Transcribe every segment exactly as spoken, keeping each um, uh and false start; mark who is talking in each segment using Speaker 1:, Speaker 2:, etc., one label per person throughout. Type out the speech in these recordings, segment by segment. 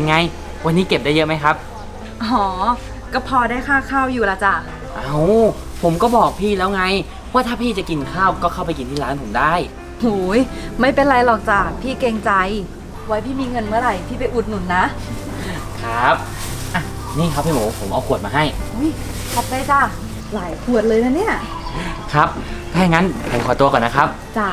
Speaker 1: เป็นไงวันนี้เก็บได้เยอะไหมครับ
Speaker 2: อ๋อก็พอได้ค่าข้าวอยู่ละจ้ะ
Speaker 1: เอาผมก็บอกพี่แล้วไงว่าถ้าพี่จะกินข้าวก็เข้าไปกินที่ร้านผมได้
Speaker 2: โอ้ยไม่เป็นไรหรอกจ้ะพี่เกรงใจไว้พี่มีเงินเมื่อไหร่พี่ไปอุดหนุนนะครับ
Speaker 1: อ่ะนี่ครับพี่หมูผมเอาขวดมาให้
Speaker 2: อุ้ยขอบใจจ้ะหลายขวดเลยนะเนี่ย
Speaker 1: ครับถ้าอย่างนั้นผมขอตัวก่อนนะครับ
Speaker 2: จ้ะ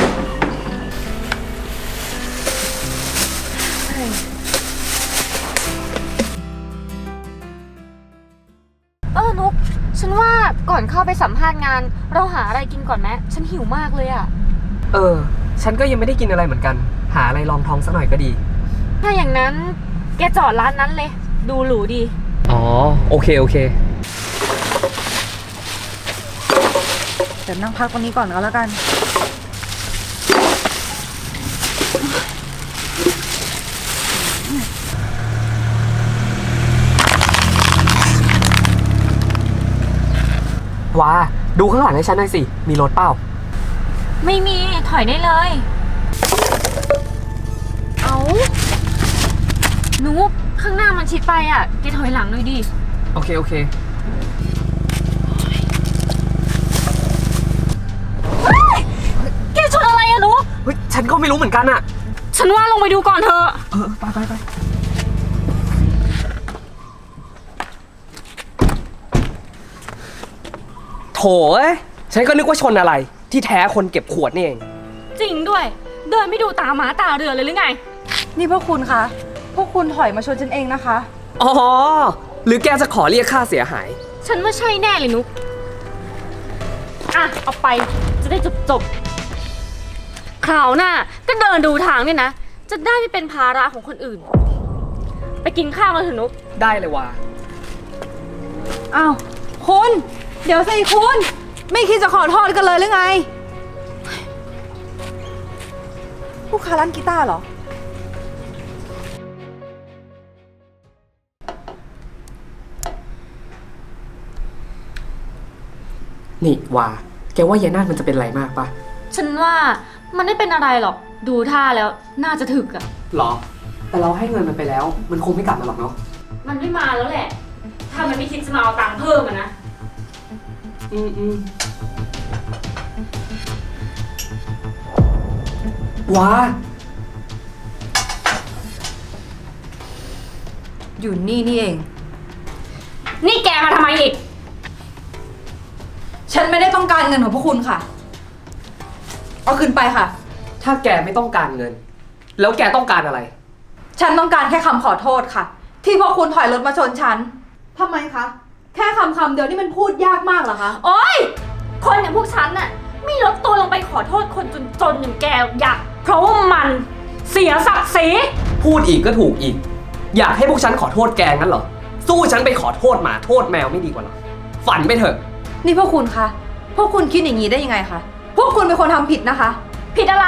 Speaker 3: เออนุกฉันว่าก่อนเข้าไปสัมภาษณ์งานเราหาอะไรกินก่อนไหมฉันหิวมากเลยอะ
Speaker 4: เออฉันก็ยังไม่ได้กินอะไรเหมือนกันหาอะไรรองท้องสักหน่อยก็ดี
Speaker 3: ถ้าอย่างนั้นแกจอดร้านนั้นเลยดูหรูดี
Speaker 4: อ๋อโอเคโอเค
Speaker 2: เดี๋ยวนั่งพักตรงนี้ก่อนก็แล้วกัน
Speaker 4: ว้าดูข้างหลังให้ฉันหน่อยสิมีรถเปล่า
Speaker 3: ไม่มีถอยได้เลยเอานุกข้างหน้ามันชิดไปอ่ะแกถอยหลังหน่อยดิ
Speaker 4: โอเคโอเค
Speaker 3: แกชนอะไรอะนุก
Speaker 4: เฮ้ยฉันก็ไม่รู้เหมือนกันอะ
Speaker 3: ฉันว่าลงไปดูก่อนเถอะ
Speaker 4: เออไปไปไปโถเอ้ยฉันก็นึกว่าชนอะไรที่แท้คนเก็บขวดนี่เอง
Speaker 3: จริงด้วยเดินไม่ดูตาหมาตาเรือเลยหรือไง
Speaker 2: นี่พวกคุณคะพวกคุณถอยมาชนฉันเองนะคะ
Speaker 4: อ๋อหรือแกจะขอเรียกค่าเสียหาย
Speaker 3: ฉันว่าใช่แน่เลยนุกอ่ะเอาไปจะได้จบจบคราวหน้าก็เดินดูทางเนี่ยนะจะได้ไม่เป็นภาระของคนอื่นไปกินข้าวกันเถอะนุก
Speaker 4: ได้เลยว่ะ
Speaker 2: อ้าวคุณเดี๋ยวสิคุณไม่คิดจะขอโทษกันเลยหรือไงผู้ค้าร้านกีตาร์เหรอ
Speaker 4: นี่ว่าแกว่ายายนาฏมันจะเป็นไรมากปะ
Speaker 3: ฉันว่ามันไม่เป็นอะไรหรอกดูท่าแล้วน่าจะถึกอะ
Speaker 4: หรอแต่เราให้เงินมันไปแล้วมันคงไม่กลับมาหรอกเนาะ
Speaker 3: มันไม่มาแล้วแหละถ้ามันไม่คิดจะมาเอาตังค์เพิ่มอะนะ
Speaker 4: อืมอืมว้า
Speaker 2: อยู่นี่นี่เอง
Speaker 3: นี่แกมาทำไมอีก
Speaker 2: ฉันไม่ได้ต้องการเงินของพวกคุณค่ะเอาคืนไปค่ะ
Speaker 4: ถ้าแกไม่ต้องการเงินแล้วแกต้องการอะไร
Speaker 2: ฉันต้องการแค่คำขอโทษค่ะที่พวกคุณถอยรถมาชนฉันทำไมคะแค่คำคำเดียวนี่มันพูดยากมากเหรอคะ
Speaker 3: โอ๊ยคนอย่างพวกฉันน่ะไม่ลดตัวลงไปขอโทษคนจนๆอย่างแกอยากเพราะว่ามันเสียศักดิ์ศรี
Speaker 4: พูดอีกก็ถูกอีกอยากให้พวกฉันขอโทษแกงั้นเหรอสู้ฉันไปขอโทษหมาโทษแมวไม่ดีกว่าหรอฝันไปเถอะ
Speaker 2: นี่พวกคุณคะพวกคุณคิดอย่างนี้ได้ยังไงคะพวกคุณเป็นคนทำผิดนะคะ
Speaker 3: ผิดอะไร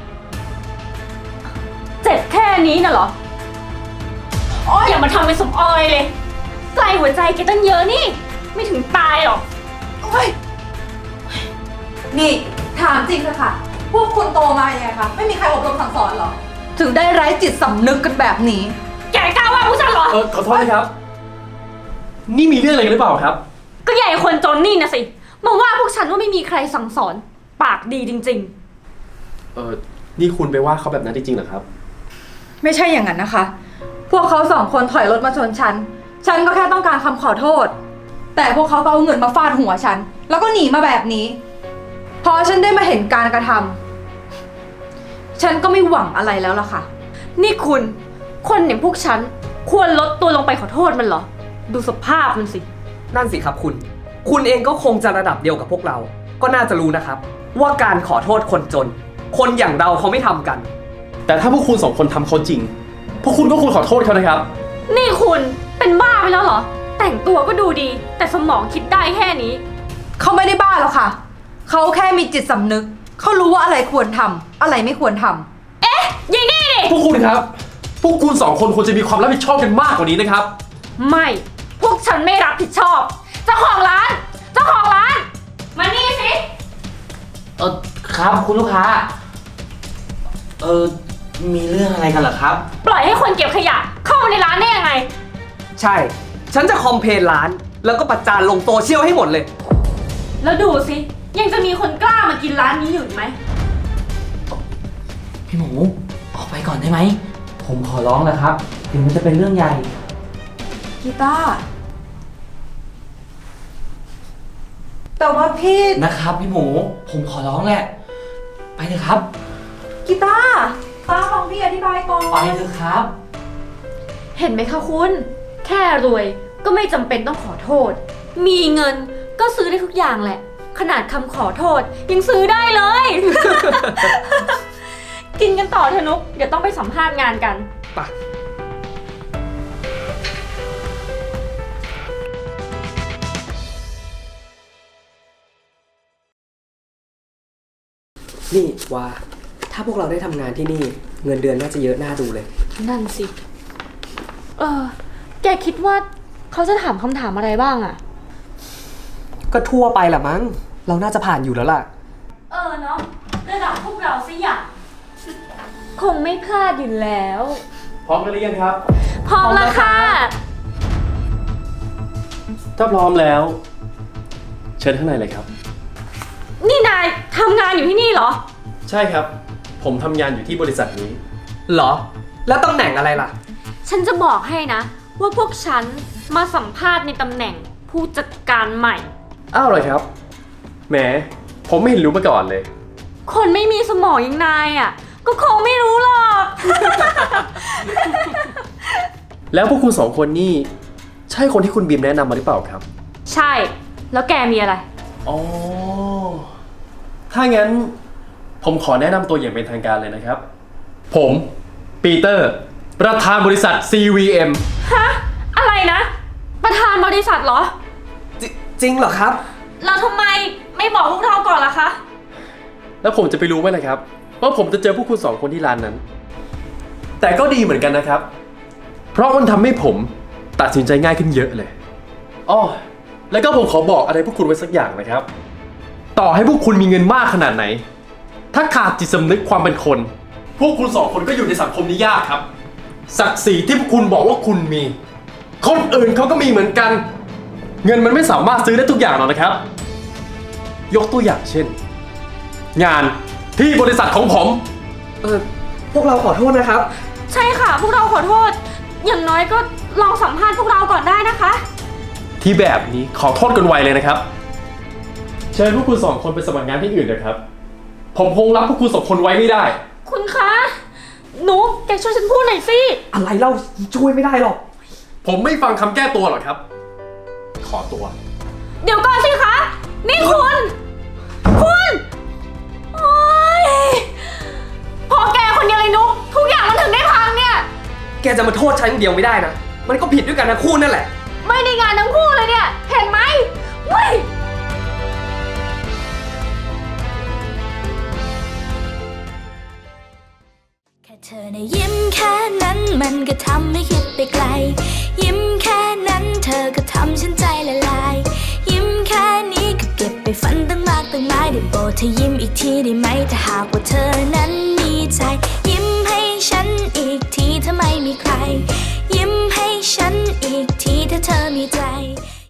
Speaker 3: เจ็บแค่นี้น่ะเหรอโอ๊ยอย่ามาทำเป็นสมออยเลยไกลหัวใจแกตั้งเยอะนี่ไม่ถึงตายหรอก
Speaker 2: โอ๊ยนี่ถามจริงเลยค่ะพวกคุณโตมาอย่างไรคะไม่มีใครอบรมสั่งสอนหรอถึงได้ไร้จิตสำนึกกันแบบนี้
Speaker 3: แกกล้าว่าพวกฉันเหรอ
Speaker 5: เออขอโทษนะครับนี่มีเรื่องอะไรกันหรือเปล่าครับ
Speaker 3: ก็ใหญ่คนจนนี่นะสิมาว่าพวกฉันว่าไม่มีใครสั่งสอนปากดีจริง
Speaker 5: ๆเออนี่คุณไปว่าเขาแบบนั้นจริงๆเหรอครับ
Speaker 2: ไม่ใช่อย่างนั้นนะคะพวกเขาสองคนถอยรถมาชนฉันฉันก็แค่ต้องการคำขอโทษแต่พวกเขาก็เอาเงินมาฟาดหัวฉันแล้วก็หนีมาแบบนี้พอฉันได้มาเห็นการกระทำฉันก็ไม่หวังอะไรแล้วล่ะค่ะ
Speaker 3: นี่คุณคนอย่างพวกฉันควรลดตัวลงไปขอโทษมันเหรอดูสภาพมันสิ
Speaker 4: นั่นสิครับคุณคุณเองก็คงจะระดับเดียวกับพวกเราก็น่าจะรู้นะครับว่าการขอโทษคนจนคนอย่างเราเขาไม่ทำกัน
Speaker 5: แต่ถ้าพวกคุณสองคนทำเขาจริงพวกคุณก็ควรขอโทษเขานะครับ
Speaker 3: นี่คุณเป็นบ้าไปแล้วเหรอแต่งตัวก็ดูดีแต่สมองคิดได้แค่นี้
Speaker 2: เขาไม่ได้บ้าหรอกค่ะเขาแค่มีจิตสำนึกเขารู้ว่าอะไรควรทำอะไรไม่ควรทำ
Speaker 3: เอ๊ะยิงนี่ดิ
Speaker 5: พวกคุณครับพวกคุณสองคนควรจะมีความรับผิดชอบกันมากกว่านี้นะครับ
Speaker 3: ไม่พวกฉันไม่รับผิดชอบเจ้าของร้านเจ้าของร้านมานี่สิ
Speaker 1: เออครับคุณลูกค้าเออมีเรื่องอะไรกันเหรอครับ
Speaker 3: ปล่อยให้คนเก็บขยะเข้ามาใน
Speaker 4: ใช่ ฉันจะคอมเพลนร้าน แล้วก็ประจานลงโซเชียลให้หมดเลย
Speaker 3: แล้วดูสิ ยังจะมีคนกล้ามากินร้านนี้อยู่อีกไหม
Speaker 1: พี่หมูออกไปก่อนได้ไหม ผมขอร้องแล้วครับ ถึงมันจะเป็นเรื่องใหญ่
Speaker 2: กีตาร์แต่ว่าพี่
Speaker 1: นะครับพี่หมู ผมขอร้องแหละ ไปเถอะครับ
Speaker 2: กีตาร์ป้าฟังพี่อธิบายก่อน
Speaker 1: ไปเถอะครับ
Speaker 3: เห็นไหมคะคุณ แค่รวยก็ไม่จำเป็นต้องขอโทษ มีเงินก็ซื้อได้ทุกอย่างแหละ ขนาดคำขอโทษยังซื้อได้เลย กินกันต่อเถอะนุก เดี๋ยวต้องไปสัมภาษณ์งานกัน
Speaker 4: ไป นี่ว่า ถ้าพวกเราได้ทำงานที่นี่ เงินเดือนน่าจะเยอะน่าดูเลย
Speaker 3: นั่นสิ เออ แกคิดว่าเขาจะถามคำถามอะไรบ้างอะ
Speaker 4: ก็ทั่วไปแหละมั้ง เราน่าจะผ่านอยู่แล้วล่ะ
Speaker 3: เออเนาะระดับพวกเราสิอย่างคงไม่พลาดอยู่แล้ว
Speaker 5: พร้อมกันหรือยังครับ
Speaker 3: พร้อมแล้วค่ะ
Speaker 5: ถ้าพร้อมแล้ว เชิญข้างในเลยครับ
Speaker 3: นี่นายทำงานอยู่ที่นี่เหรอ
Speaker 5: ใช่ครับ ผมทำงานอยู่ที่บริษัทนี้
Speaker 4: เหรอ แล้วตำแหน่งอะไรล่ะ
Speaker 3: ฉันจะบอกให้นะ ว่าพวกฉันมาสัมภาษณ์ในตำแหน่งผู้จัดการใหม่
Speaker 5: อ้าวเหรอครับ แหม ผมไม่เห็นรู้มาก่อนเลย
Speaker 3: คนไม่มีสมองอย่างนายอ่ะ ก็คงไม่รู้หรอก
Speaker 5: แล้วพวกคุณสองคนนี่ ใช่คนที่คุณบีมแนะนำมาหรือเปล่าครับ
Speaker 3: ใช่ แล้วแกมีอะไร
Speaker 5: อ๋อ ถ้างั้น ผมขอแนะนำตัวอย่างเป็นทางการเลยนะครับ ผม ปีเตอร์ ประธานบริษัท ซี วี เอ็ม
Speaker 3: ฮะ อะไรนะ ประธานบริษัทเหรอ
Speaker 4: จจริงเหรอครับ
Speaker 3: แล้วทำไมไม่บอกพวกเราก่อนล่ะคะ
Speaker 5: แล้วผมจะไปรู้ไหมล่ะครับว่าผมจะเจอพวกคุณสองคนที่ร้านนั้น แต่ก็ดีเหมือนกันนะครับ เพราะมันทำให้ผมตัดสินใจง่ายขึ้นเยอะเลยอ้อแล้วก็ผมขอบอกอะไรพวกคุณไว้สักอย่างนะครับ ต่อให้พวกคุณมีเงินมากขนาดไหน ถ้าขาดจิตสำนึกความเป็นคน พวกคุณสองคนก็อยู่ในสังคมนี้ยากครับ ศักดิ์ศรีที่พวกคุณบอกว่าคุณมี คนอื่นเขาก็มีเหมือนกัน เงินมันไม่สามารถซื้อได้ทุกอย่างหรอกนะครับ ยกตัวอย่างเช่น งานที่บริษัทของผม
Speaker 4: เออ พวกเราขอโทษนะครับ
Speaker 3: ใช่ค่ะ พวกเราขอโทษ อย่างน้อยก็ลองสัมภาษณ์พวกเราก่อนได้นะคะ
Speaker 5: ที่แบบนี้ขอโทษกันไวเลยนะครับ เชิญพวกคุณสองคนไปสมัครงานที่อื่นนะครับ ผมคงรับพวกคุณสองคนไว้ไม่ได้
Speaker 3: คุณคะหนูแกช่วยฉันพูดหน่อยสิ
Speaker 4: อะไรเล่าช่วยไม่ได้หรอก
Speaker 5: ผมไม่ฟังคำแก้ตัวหรอกครับ ขอตัว
Speaker 3: เดี๋ยวก่อนสิคะ นี่คุณ คุณ โอ๊ยพอแกคนเดียวเลยนุกทุกอย่างมันถึงได้พังเนี่ย
Speaker 4: แกจะมาโทษฉันคนเดียวไม่ได้นะ มันก็ผิดด้วยกันนะคู่นั่นแหละ
Speaker 3: ไม่ได้งานทั้งคู่เลยเนี่ย เห็นไหมเว้ย
Speaker 6: แค่เธอในะยิ้มแค่นั้นมันก็ทำให้คิดไปไกล ยิ้มแค่นั้นเธอก็ทำฉันใจละลาย ยิ้มแค่นี้ก็เก็บไปฝันตั้งมากตั้งหลายได้โปรดเธอยิ้มอีกทีได้ไหมถ้าหากว่าเธอนั้นมีใจ ยิ้มให้ฉันอีกทีถ้าไม่มีใคร ยิ้มให้ฉันอีกทีถ้าเธอมีใจ